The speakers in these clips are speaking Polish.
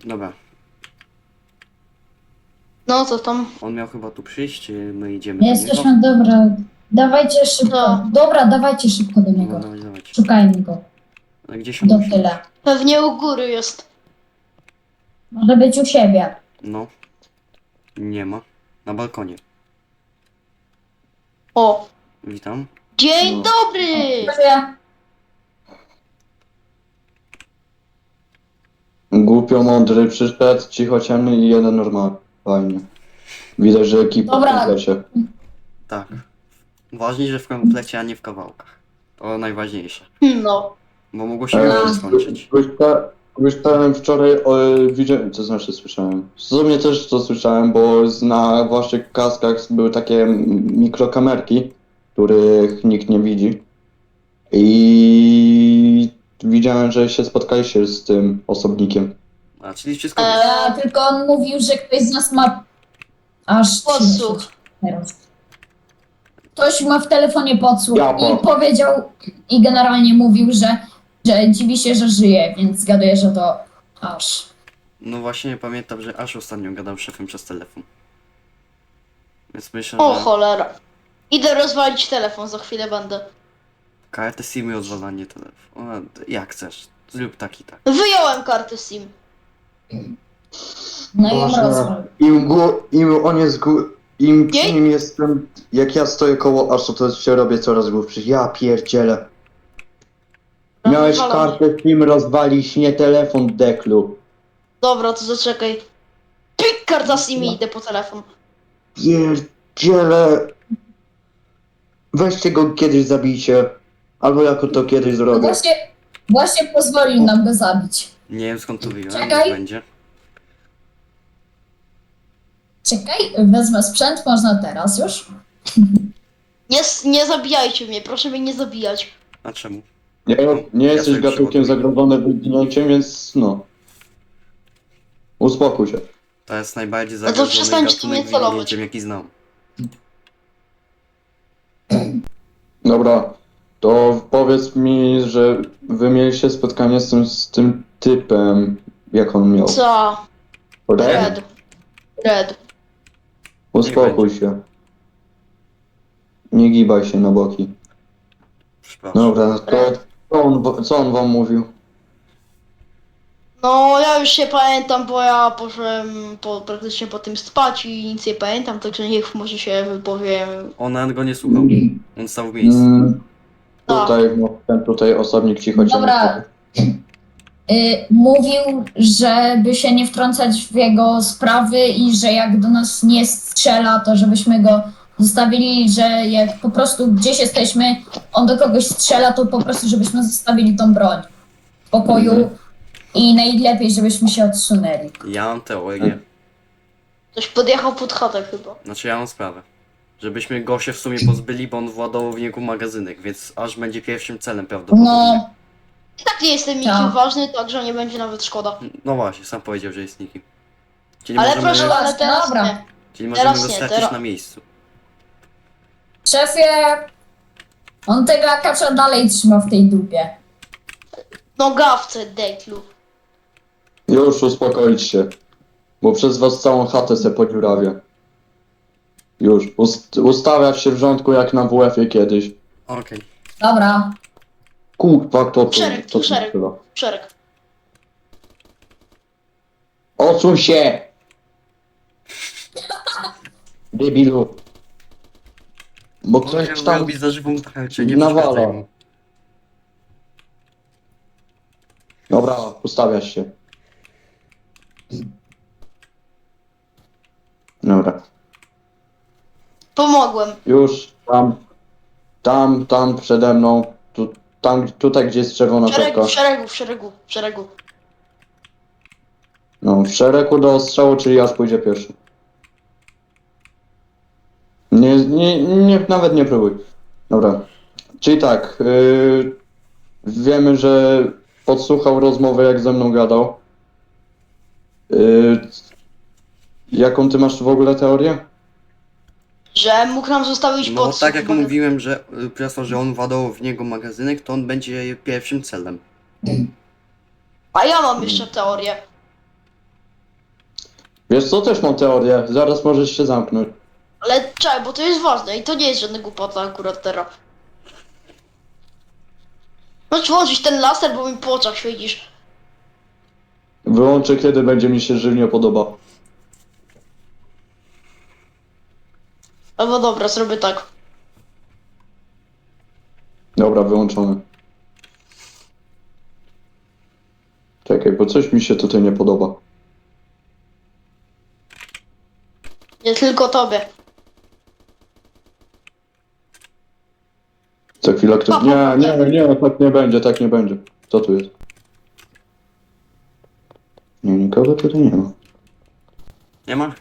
Dobra, No co tam? on miał chyba tu przyjść, czy my idziemy do niego? Jesteśmy, dobra. Dawajcie szybko. No. Dobra, dawajcie szybko do No, niego. dawać. Szukajmy go. A gdzieś on Do musi tyle. być? Pewnie u góry jest. Może być u siebie. No. Nie ma. Na balkonie. O, Witam. dzień No. dobry! Proszę. Głupio mądry przyszedł, cichociemny i jeden normalny. Fajnie. Widać, że ekipa Dobra. w komplecie. Tak. Ważniej, że w komplecie, a nie w kawałkach. To najważniejsze. No. Bo mogło się Eee, nie skończyć. Słyszałem wczoraj, widziałem, to znaczy słyszałem. W sumie też to słyszałem, bo na waszych kaskach były takie mikrokamerki, których nikt nie widzi. I widziałem, że się spotkaliście z tym osobnikiem. A, czyli wszystko jest. Tylko on mówił, że ktoś z nas ma aż Podsłuch. 30 teraz. Ktoś ma w telefonie podsłuch Ja i powiedział i generalnie mówił, że dziwi się, że żyje, więc zgaduję, że to aż. No właśnie pamiętam, że aż ostatnio gadał z szefem przez telefon. Więc myślę, O że cholera. Idę rozwalić telefon, za chwilę będę. kartę SIM i odwalanie telefonu. Jak chcesz. Zrób tak i tak. Wyjąłem kartę SIM. No i Boże, rozwal. Im on jest im Nie? przy nim jestem, jak ja stoję koło Aszu, to się robię coraz głupszy. Ja pierdzielę. Miałeś Rozwalony. kartę SIM rozwalić, nie telefon, deklu. Dobra, to zaczekaj. Pik, karta SIM i idę po telefon. Pierdzielę. Weźcie go kiedyś zabijcie. Albo jako to kiedyś No zrobię. właśnie pozwolił nam go zabić. Nie wiem skąd to wyjąłem, Czekaj. jak będzie. Czekaj, wezmę sprzęt, można teraz już. Nie zabijajcie mnie, proszę mnie nie zabijać. A czemu? Nie Ja jesteś sobie gatunkiem przygotuję. zagrodzonym wyginięciem, więc no. Uspokój się. To jest najbardziej No to zagrożony przestańcie gatunek mnie celować. wyginięciem, jaki znam. Dobra, to powiedz mi, że wy mieliście spotkanie z tym typem, jak on miał. Co? Red? Red. Uspokój się. Nie gibaj się na boki. Przepraszam. Dobra, to co on wam mówił? No ja już się pamiętam, bo ja poszedłem praktycznie po tym spać i nic nie pamiętam, także niech może się wypowiem. On nawet go nie słuchał. On stał w miejscu. Tutaj, no, ten tutaj osobnik cicho cię Dobra. Mówił, żeby się nie wtrącać w jego sprawy i że jak do nas nie strzela, to żebyśmy go zostawili, że jak po prostu gdzieś jesteśmy, on do kogoś strzela, to po prostu żebyśmy zostawili tą broń w pokoju i najlepiej, żebyśmy się odsunęli. Ja mam teorię. Ktoś podjechał pod chatę chyba. Znaczy ja mam sprawę. Żebyśmy go się w sumie pozbyli, bo on władował w niego magazynek, więc aż będzie pierwszym celem prawdopodobnie. No, I tak nie jestem nikim Tak. ważny, także nie będzie nawet szkoda. No właśnie, sam powiedział, że jest nikim. Czyli Ale możemy, proszę, ale teraz Dobra. nie. czyli możemy teraz go nie, stracić teraz- na miejscu. szefie, on tego akacza dalej trzyma w tej dupie. No gawce, deklu. Już uspokoić się. Bo przez was całą chatę se podziurawię. Już. Ustawiać się w rządku jak na WF-ie kiedyś. Okej. Dobra, Kurwa, kto to? Szereg, To szereg. chyba. Szereg. Odsuń się! Debilu. Bo On ktoś chciał tam robić za żywą tarczę, nie nawala. przeszkadzaj mu. Dobra, ustawiasz się. Dobra. Pomogłem. Już tam przede mną. Tutaj gdzie jest czerwona W szeregu, kropka. w szeregu, w szeregu, w szeregu. No, w szeregu do ostrzału, czyli aż pójdzie pierwszy. Nawet nie próbuj. Dobra. Czyli tak, wiemy, że podsłuchał rozmowę, jak ze mną gadał. Jaką ty masz w ogóle teorię? Że mógł nam zostawić No podsłuch. tak jak bo- mówiłem, że przez to, że on władował w niego magazynek, to on będzie pierwszym celem. A ja mam jeszcze teorię. Wiesz co, też mam teorię, zaraz możesz się zamknąć. Ale czekaj, bo to jest ważne i to nie jest żadna głupota akurat teraz. Możesz włączyć ten laser, bo mi po oczach świecisz. Wyłączę, kiedy będzie mi się żywnie podoba. Albo dobra, zrobię tak. Dobra, wyłączony. Czekaj, bo coś mi się tutaj nie podoba. Nie tylko tobie. Za chwilę ktoś... Nie, tak nie będzie, tak nie będzie. Co tu jest? Nie, nikogo tutaj nie ma. Nie ma?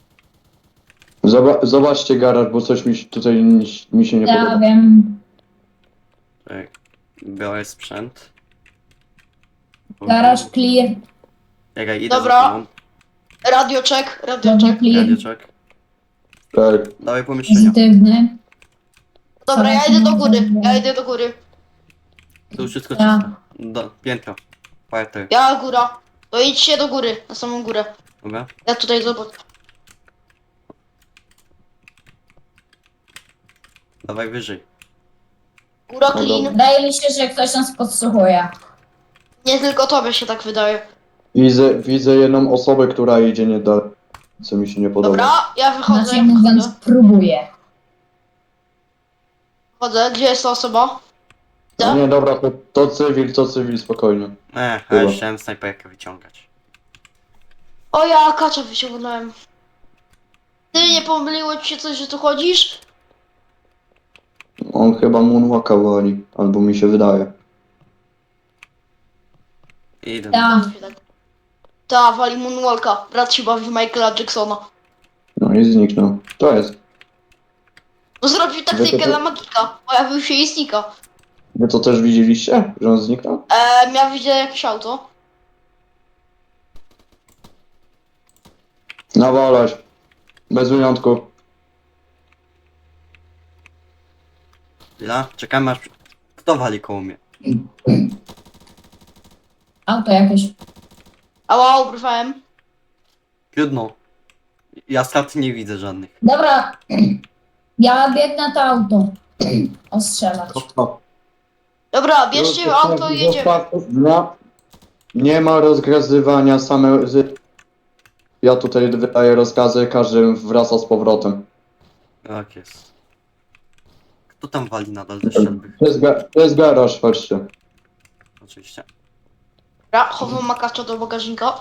Zobaczcie garaż, bo coś mi się tutaj mi się nie Ja podoba. wiem. Tak. Biorę sprzęt. Garaż clear. Czekaj, idę Dobra. za tobą. Radio check, radio Dobra, check. clear. Radioczek. Tak. Dawaj pomieszczenia. Pozytywny. Dobra, ja idę do góry, ja idę do góry. Tu wszystko Ja. czysto. Piętro. Parter. Ja góra. To idźcie do góry, na samą górę. Dobra? Ja tutaj zobacz. Dawaj wyżej. Góra No clean. dobra. Wydaje mi się, że ktoś nas podsłuchuje. Nie tylko tobie się tak wydaje. Widzę jedną osobę, która idzie nie dalej. Co mi się nie podoba. Dobra, ja wychodzę, Inaczej ja mówiąc, wychodzę. próbuje. Wchodzę, gdzie jest ta osoba? No nie, dobra, to cywil, spokojnie. A Chyba. już chciałem snajperkę wyciągać. O, ja kacza wyciągnąłem. Ty, nie pomyliło ci się coś, że tu chodzisz? On chyba moonwalka wali, albo mi się wydaje. Idę. Tak. Ta, wali Moonwalka. Brat się bawi w Michaela Jacksona. No i zniknął. To jest. No zrobił Wy taktykę to- dla magika. Pojawił się i znika. Wy to też widzieliście, że on zniknął? Miał widzieć jakieś auto. Nawalać. Bez wyjątku. Chwila, czekamy aż... Kto wali koło mnie? Auto jakieś. Ała, ubrywałem. Trudno. Ja strat nie widzę żadnych. Dobra. Ja biegnę to auto. Ostrzelać. Dobra, bierzcie auto i jedziemy. Nie ma rozgazywania same... Ja tutaj wydaję rozkazy, każdy wraca z powrotem. Tak jest. Kto tam wali nadal ze strzelby? To jest garaż, chodźcie. Oczywiście. Dobra, chowam makacza do bagażnika.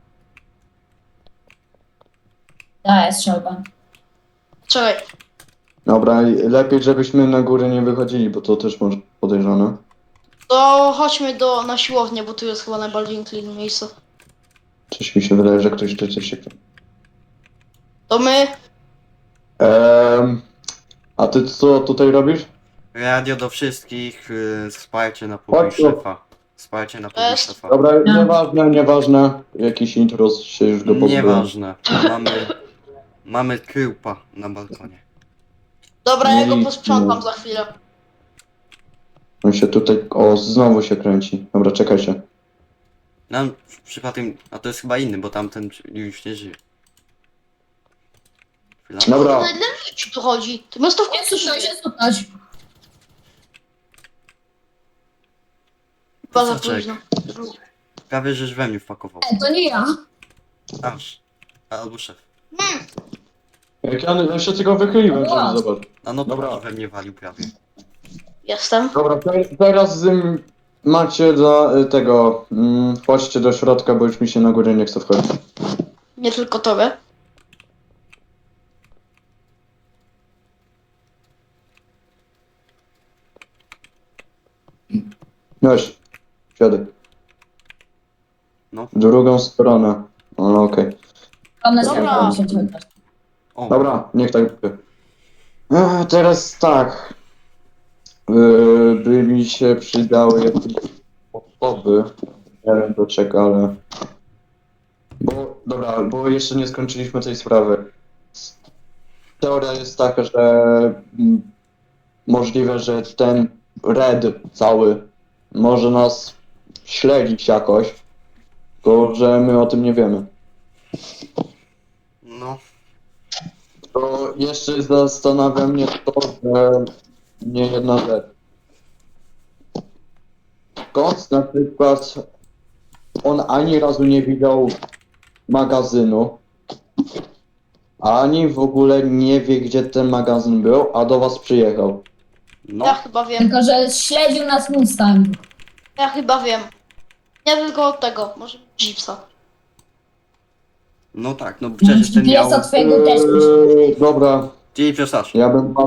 Daję strzelbę. Czekaj. Dobra, i lepiej żebyśmy na górę nie wychodzili, bo to też może podejrzane. To chodźmy na siłownię, bo tu jest chyba najbardziej clean miejsce. Coś mi się wydaje, że ktoś tu coś się... To my. A ty co tutaj robisz? Radio do wszystkich, wsparcie na pokój Chodź tu. szefa. Wsparcie na pokój Jest. szefa. Dobra, No. nieważne. Jakiś intruz się już go pozbył. Nieważne. Mamy kryłpa na balkonie. Dobra, ja go Nie, posprzątam nie. za chwilę. On się tutaj... O, znowu się kręci. Dobra, czekajcie. Nam przypadkiem... A to jest chyba inny, bo tamten już nie żyje. Chwila. Dobra. Dla mnie ci tu chodzi. To miasto w Nie końcu słyszę żyje. się słuchać. Chyba za Soczek. późno. Prawie żeś we mnie wpakował. To nie ja. Aż. Albo szef. Jak ja się tylko wychyliłem, żeby zobaczyć. A no Dobra. to we mnie walił prawie. Jestem. Dobra, teraz macie do tego... chodźcie do środka, bo już mi się na górę nie chce wchodzić. Nie tylko tobie. Weź, siadaj. No. W drugą stronę. O, okej. One Dobra. się czekać. O, Dobra, niech tak będzie. Teraz tak. By mi się przydały jakieś osoby. Nie wiem do czego, ale... Bo jeszcze nie skończyliśmy tej sprawy. Teoria jest taka, że możliwe, że ten Red cały może nas śledzić jakoś, tylko że my o tym nie wiemy. No, To jeszcze zastanawia mnie to, że nie jedna rzecz. Koc na przykład, on ani razu nie widział magazynu, ani w ogóle nie wie, gdzie ten magazyn był, a do was przyjechał. no, Ja chyba wiem. Tylko, że śledził nas Mustang. Ja chyba wiem. Nie tylko od tego, może Jeepsa. no tak, no przecież ten miał... GPS-a twojego też. Dobra, GPS-arz.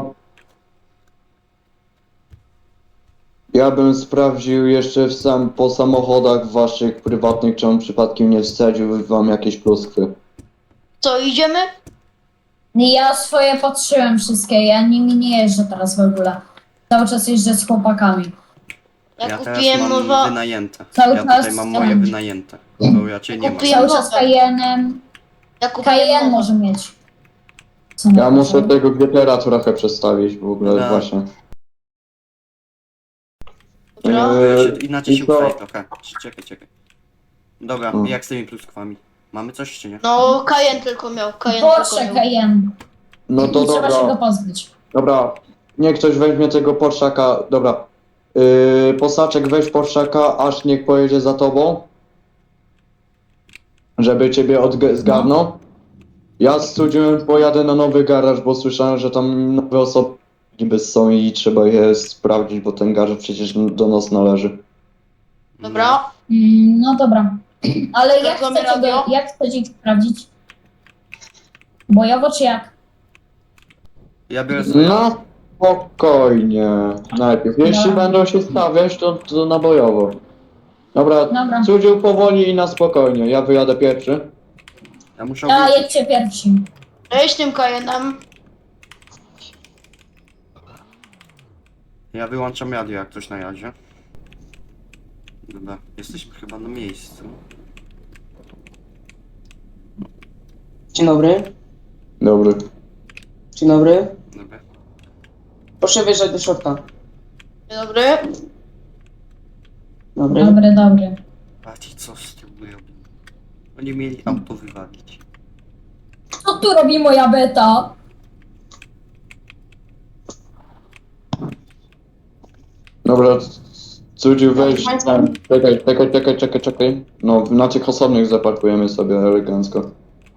ja bym sprawdził jeszcze po samochodach waszych prywatnych, czy on przypadkiem nie wsadził wam jakieś pluskwy. Co, idziemy? Ja swoje patrzyłem wszystkie, ja nimi nie jeżdżę teraz w ogóle. Cały czas jeżdżę z chłopakami. Ja, Ja teraz kupiłem mam nowa... wynajęte. Cały Ja czas tutaj mam moje ten. wynajęte. Bo raczej nie ma. Kupiłem- Cały czas Cayennem. Ja kupiłem Cayenne nowe. może mieć. Ja muszę tego GTR-a trochę przestawić w ogóle, Dobra. właśnie. Dobra. Inaczej i się to- ustaje trochę. Czekaj. Dobra, Hmm. jak z tymi pluskwami? Mamy coś czy nie? No, Cayenne tylko miał. Cayenne Porsche tylko miał. Cayenne. No to I trzeba się go dobra, pozbyć. dobra. Niech ktoś weźmie tego Porszaka, dobra. Posaczek, weź Porszaka, aż niech pojedzie za tobą. Żeby ciebie zgarnął. Ja z Cudziem pojadę na nowy garaż, bo słyszałem, że tam nowe osoby niby są i trzeba je sprawdzić, bo ten garaż przecież do nas należy. Dobra. No dobra. Ale jak Mamy chcecie, radio? jak chcecie ich sprawdzić? Bojowo czy jak? Ja biorę sobie... No, spokojnie. Najpierw. Jeśli Dobra. będą się stawiać, to na bojowo. Dobra, Dobra. Cudziu powoli i na spokojnie. Ja wyjadę pierwszy. Ja muszę A wrócić. jedźcie pierwsi. Cześć tym Cayennem. Ja wyłączam radio jak coś na razie. Dobra, jesteśmy chyba na miejscu. Dzień dobry. Dobry. Dzień dobry. Dobra. Proszę wjeżdżać do środka. Dzień dobry. Dobry. Dobry. Patrzcie co z tym robią. Oni mieli auto wywalić. Co tu robi moja beta? Dobra, Cudziu weź. Państwa? Czekaj. No, na tych osobnych zaparkujemy sobie elegancko.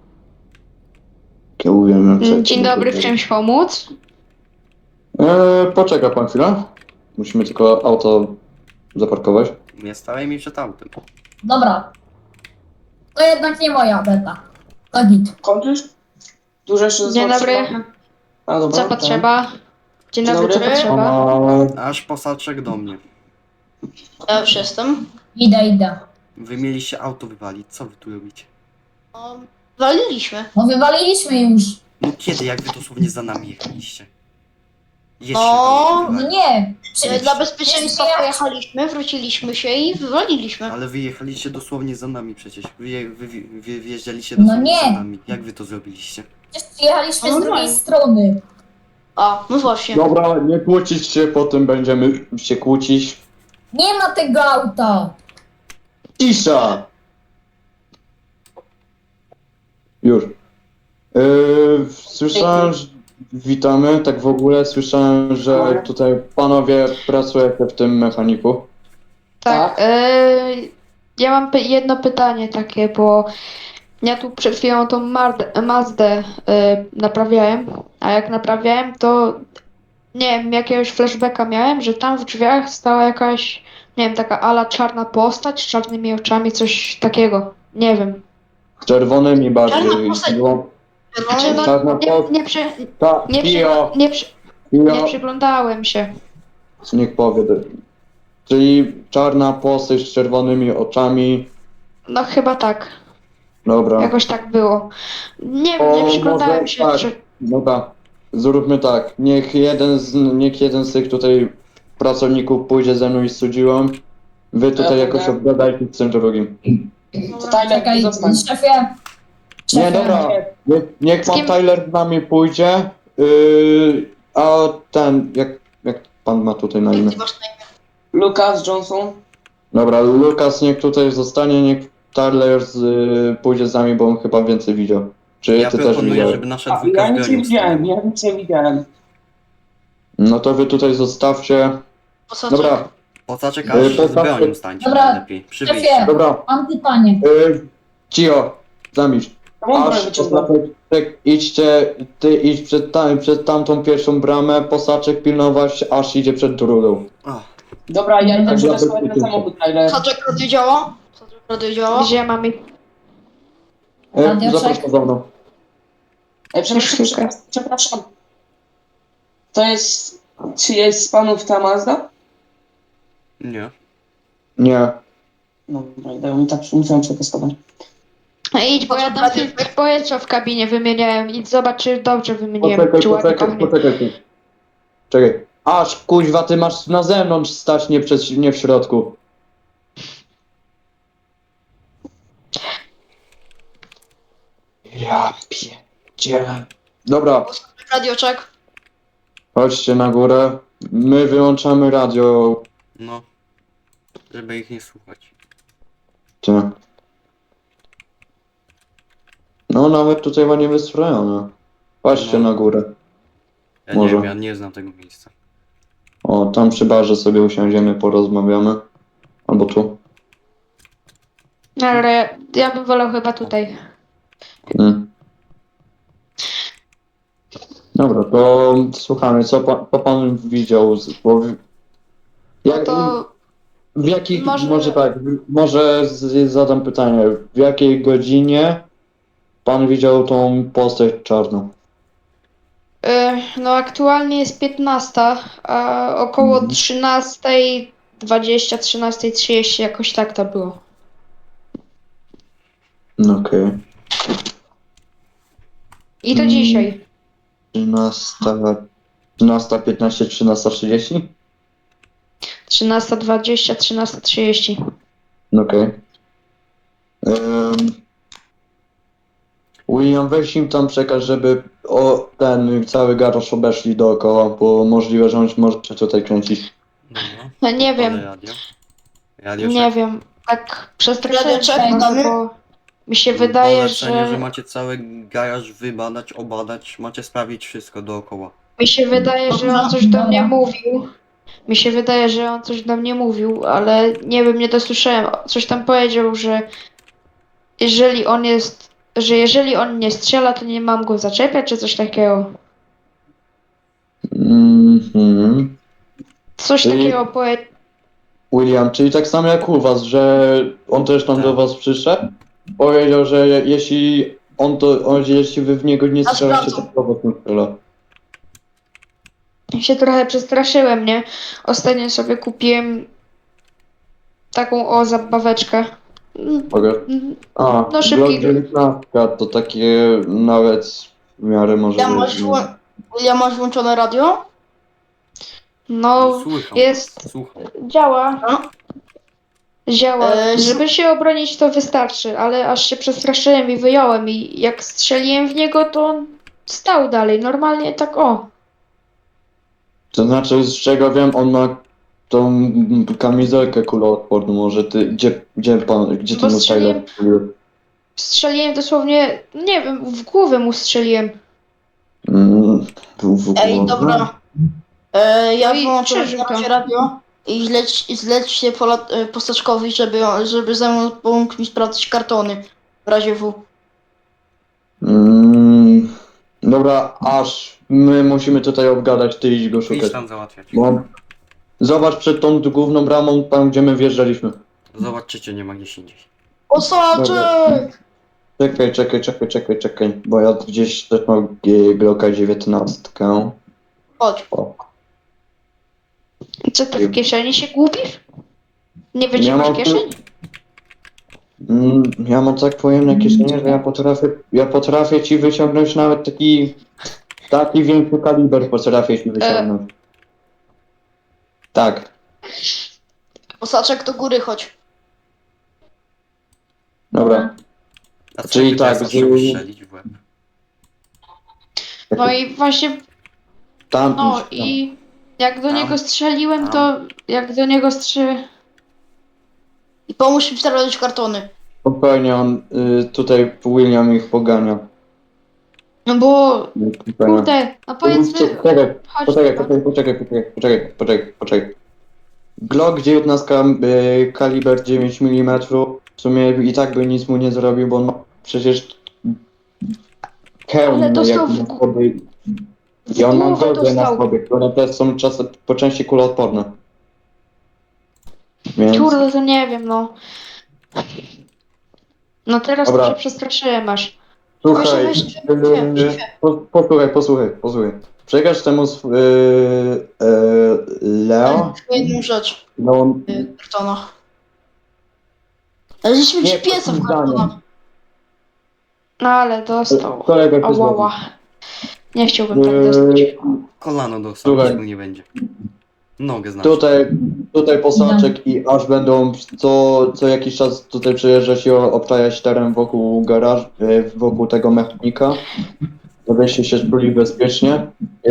Kiełujemy przed. Dzień dobry, w czymś pomóc? Poczeka pan chwilę. Musimy tylko auto zaparkować. Nie stawaj mi przed autem. Dobra. To jednak nie moja beta. To git. Kończysz? Dużo jeszcze Dzień zostało dobry. trzeba? A dobra. Co tak. potrzeba? Dzień Dzień dobry, co dobry. potrzeba? Aż posaczek do mnie. Ja już jestem. Idę. Wy mieliście auto wywalić, co wy tu robicie? No, waliliśmy. No wywaliliśmy już. No kiedy, jak wy dosłownie za nami jechaliście? Jedźcie No, auto No wywalić. nie. Dla bezpieczeństwa Nie, pojechaliśmy, wróciliśmy się i wywaliliśmy. Ale wy jechaliście dosłownie za nami przecież. Wy wjeżdżaliście No dosłownie nie. za nami. Jak wy to zrobiliście? Przecież jechaliśmy z No drugiej normalnie. strony. A, no właśnie. Dobra, nie kłócić się, potem będziemy się kłócić. Nie ma tego auta. Cisza! Już. Słyszałem, że... Witamy, tak w ogóle słyszałem, że tutaj panowie pracujecie w tym mechaniku. Tak, ja mam jedno pytanie takie, bo ja tu przed chwilą tą Mazdę naprawiałem, a jak naprawiałem, to nie wiem, jakiegoś flashbacka miałem, że tam w drzwiach stała jakaś, nie wiem, taka ala czarna postać z czarnymi oczami, coś takiego. Nie wiem. Z czerwonymi bardziej. Czarna postać. Znaczy, no, Czarna Ta, Pio, nie przyglądałem się. niech powie. Czyli czarna postać z czerwonymi oczami. No chyba tak. Dobra. Jakoś tak było. Nie O, wiem, nie przyglądałem może się. tak. Czy... Dobra. Zróbmy tak. Niech jeden z tych tutaj pracowników pójdzie ze mną i z Cudziłem. Wy tutaj Ja jakoś pójdę. obgadajcie z tym drugim. To Tyler, Czekaj, zostań. szefie. Nie, dobra. Niech Z pan kim? Tyler z nami pójdzie. A ten, jak pan ma tutaj na imię? Ty masz na imię. Lucas Johnson. Dobra, Lukas niech tutaj zostanie, niech Tyler pójdzie z nami, bo on chyba więcej widział. Czy Ja ty też proponuję, widziałeś? żeby nasza A, dwójka ja nic nie zbronią widziałem, stanęła. ja nic nie widziałem. No to wy tutaj zostawcie. Posaczek. Dobra, Pocaczek aż z Pocaczek- bronią stańcie Dobra, najlepiej. Przy Szefie, wyjściu. dobra. mam pytanie. Cio, zamilcz. To mam broń Aż wyciągnął. Posaczek, idźcie, ty idź przed tamtą pierwszą bramę, Posaczek pilnować, aż idzie przed drugą. O, Dobra, ja idę Tak, przetestować ja ten samochód, Tyler. Posaczek radio działa? Posaczek radio działa? Gdzie mam ich? Radioczek? Zapraszam za mną. Przepraszam. To jest... Czy jest z panów ta Mazda? nie. Nie. No, idę mi tak muszę przetestować. No idź, bo ja tam filtr powietrza w kabinie wymieniałem. Idź zobacz, czy dobrze wymieniłem, czy ładnie pachnie. Poczekaj. Czekaj. Aż kuźwa, ty masz na zewnątrz stać, nie w środku. Ja pierdzielę. Dobra, Radioczek. chodźcie na górę. My wyłączamy radio. No. Żeby ich nie słuchać. Ty. No nawet tutaj ładnie wystrojone. Chodźcie No. na górę. Ja Może. nie wiem, ja nie znam tego miejsca. O, tam przy barze sobie usiądziemy, porozmawiamy. Albo tu. Ale ja bym wolał chyba tutaj. Mm. Dobra, to słuchamy, co pan widział? No to w jakich, może- może tak, zadam pytanie, w jakiej godzinie pan widział tą postać czarną? no aktualnie jest 15, a około 13:20, 13:30 jakoś tak to było. No okej. I to Mm. dzisiaj. 13:15, 13:30? 13:20, 13:30. No okej. William, weź im tam przekaż, żeby ten cały garaż obeszli dookoła, bo możliwe, że on może się tutaj kręcić. Dobra. No nie wiem, Ale radio. Radio nie wiem. Tak przestraszyłem się Radioczek, trochę, mamy? bo mi się wydaje, Polecenie, że że macie cały garaż wybadać, obadać, macie sprawić wszystko dookoła. mi się wydaje, że on coś do mnie mówił. Mi się wydaje, że on coś do mnie mówił, ale nie wiem, nie dosłyszałem. Coś tam powiedział, że jeżeli on nie strzela, to nie mam go zaczepiać, czy coś takiego. Mhm. Coś Czyli- takiego powiedział. William, czyli tak samo jak u was, że on też tam Tak. do was przyszedł? Powiedział, że jeśli wy w niego nie Ja strzelacie, to sprawdzam. do was nie strzela. Się trochę przestraszyłem, nie? Ostatnio sobie kupiłem taką zabaweczkę. Mogę? A, No, Glock szybkiego. 19 to takie nawet w miarę może Ja być, masz włączone radio? No, Słucham. jest, Słucham. działa. No. Działa. E, Żeby się obronić, to wystarczy, ale aż się przestraszyłem i wyjąłem i jak strzeliłem w niego, to on stał dalej. Normalnie tak o. To znaczy, z czego wiem, on ma tą kamizelkę kuloodporną, może ty, gdzie ty Bo mu Tyler strzeliłem- strzelił? Strzeliłem dosłownie, nie wiem, w głowę mu strzeliłem. W Ej, głowę? dobra. Ja No i wyłączę przeżył na razie to. radio i zlećcie Postaczkowi, żeby ze mną pomógł mi sprawdzić kartony w razie W. Dobra, aż my musimy tutaj obgadać, ty idź go Idź szukać. tam załatwiać. Bo zobacz przed tą główną bramą, tam gdzie my wjeżdżaliśmy. Zobacz, czy cię nie ma gdzieś indziej. Posaczek! Czekaj, bo ja gdzieś też mam Glocka 19. Chodź. O. Co ty w kieszeni się gubisz? Nie wiesz, Ja gdzie masz mam tu- kieszeń? Ja mam tak pojemne kieszenie, że ja potrafię ci wyciągnąć nawet taki większy kaliber potrafię ci wyciągnąć. Tak, Posaczek do góry, chodź. dobra. A co Czyli jakby tak, teraz że- chciał strzelić w łeb? No i właśnie, Tam no idź, tam. i jak do Tam. niego strzeliłem, Tam. to jak do niego strzelę. I pomóż mi sprawdzić kartony. Spokojnie, on tutaj William ich pogania. No bo, kurde, no powiedzmy, chodź Poczekaj. Glock 19 kaliber 9 mm w sumie i tak by nic mu nie zrobił, bo on ma przecież hełm Ale dostał jak w na sobie. I on ma głowę gogle na dostał. sobie, które też są czasem po części kuloodporne. Więc... Kurde, to nie wiem, no. No teraz Dobra. to się przestraszyłem aż. Słuchaj, Proszę, posłuchaj. Przekaż temu Leo. jedną rzecz No, w kartonach. Znaleźliśmy Nie, GPS-a w takim kartonach. No ale dostał. kolega ktoś Ałała. Nie chciałbym tak dostać. Kolano dostał, Słuchaj. nic mu nie będzie. Nogę znaczy. Tutaj posaczek i aż będą co jakiś czas tutaj przyjeżdżać i obczajać teren wokół garażu, wokół tego mechanika, żebyście się czuli bezpiecznie.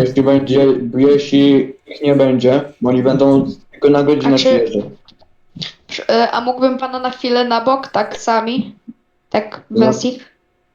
Jeśli ich nie będzie, bo oni będą tylko na godzinę A czy- przyjeżdżać. A mógłbym pana na chwilę na bok, tak sami? Tak No. bez ich?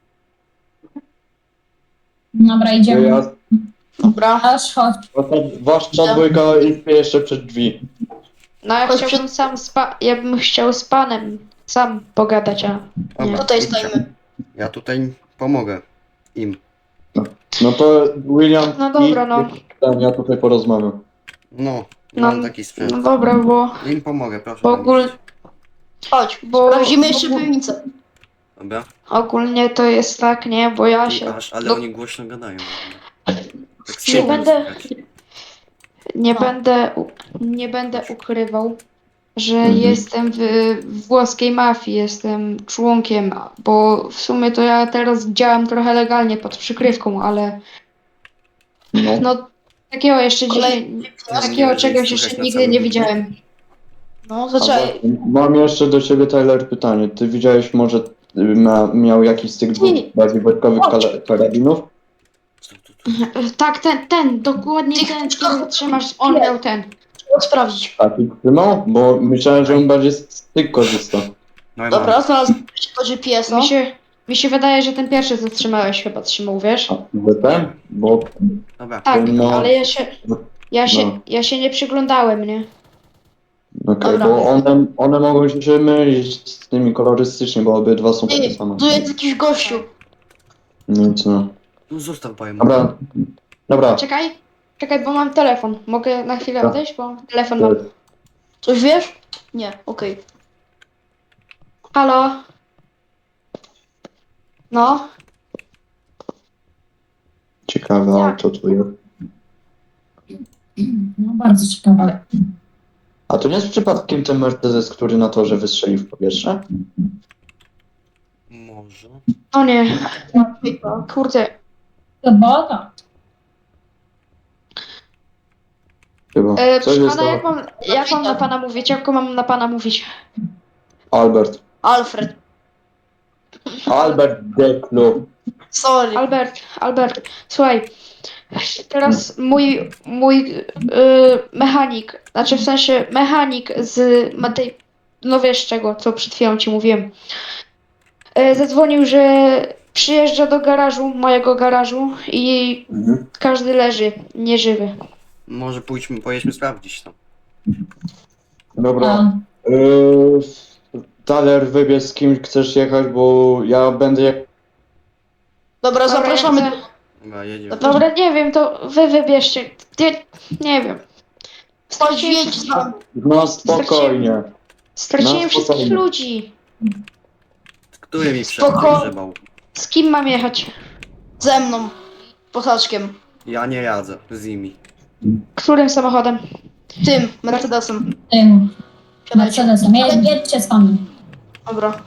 Dobra, idziemy. Ja, Dobra. Aż chodź. wasza dwójka jest jeszcze przed drzwi. No ja Chodź chciałbym ja bym chciał z panem sam pogadać, a nie. Dobra, Tutaj idźcie. stoimy. Ja tutaj pomogę im. No to William, No dobra, no. ja tutaj porozmawiam. No, No, mam taki sprzęt. No dobra, bo Im pomogę, proszę. Bo tam ogól- iść. Chodź, Bo- sprawdzimy jeszcze bo- piwnicę. Dobra? ogólnie to jest tak, nie? Bo ja się Ale no- oni głośno gadają. Tak Nie słabo będę- słychać. nie będę ukrywał, że Mhm. jestem w włoskiej mafii, jestem członkiem, bo w sumie to ja teraz działam trochę legalnie pod przykrywką, ale No. no takiego jeszcze Kolejny dzisiaj, Nie takiego będzie czegoś słychać jeszcze na nigdy całym nie budynku. widziałem. No, zaczekaj. Mam jeszcze do ciebie, Tyler, pytanie. Ty widziałeś może, miał jakiś z tych dwóch Nie. bardziej wojskowych Chodź. karabinów? Tak, dokładnie Ty- ten, który trzymasz, on miał ten. Trzeba sprawdzić. A ty trzymał? Bo myślałem, że on bardziej z tych korzysta. No i Dobra, mam. znalazłem to GPS-a. Mi się wydaje, że ten pierwszy, co trzymałeś, chyba trzymał, wiesz? A ty ten? Bo... Dobra. Tak, No. ale No. ja się nie przyglądałem, nie? Okej, Dobra. bo one mogą się mylić z tymi kolorystycznie, bo obydwa są takie Ty, same. tu jest jakiś gościu. Nic no. No zostaw powiem. Dobra. Czekaj, bo mam telefon. Mogę na chwilę Tak. odejść, bo telefon mam. Coś wiesz? Nie, okej. Halo? No? Ciekawe Tak. auto tu jest. No bardzo ciekawe. A to nie jest przypadkiem ten Mercedes, który na torze wystrzelił w powietrze? Może. O nie. Kurde. Sobota. Chyba. Coś Proszę jest pana, to... jak mam na pana mówić? Jak mam na pana mówić? Albert. Alfred. Albert Deklu. Sorry. Albert, słuchaj. Teraz mój mechanik, znaczy w sensie mechanik z tej, no wiesz czego, co przed chwilą ci mówiłem. Zadzwonił, że przyjeżdża do garażu, mojego garażu i każdy leży, nieżywy. Może pojedźmy sprawdzić to. Dobra. A, Tyler, wybierz z kim chcesz jechać, bo ja będę jak... Dobra, zapraszamy. ja chcę- Dobra, jedziemy. Dobra. Dobra, nie wiem, to wy wybierzcie. Nie wiem. Chodź, jedź z nami. No spokojnie. Straciłem No, wszystkich spokojnie. ludzi. Który mi Spoko. przegrzebał? Z kim mam jechać? Ze mną. Posaczkiem. Ja nie jadzę z nimi. Którym samochodem? Tym, Mercedesem. tym Siadajcie. Mercedesem. Jedźcie z nami. Dobra.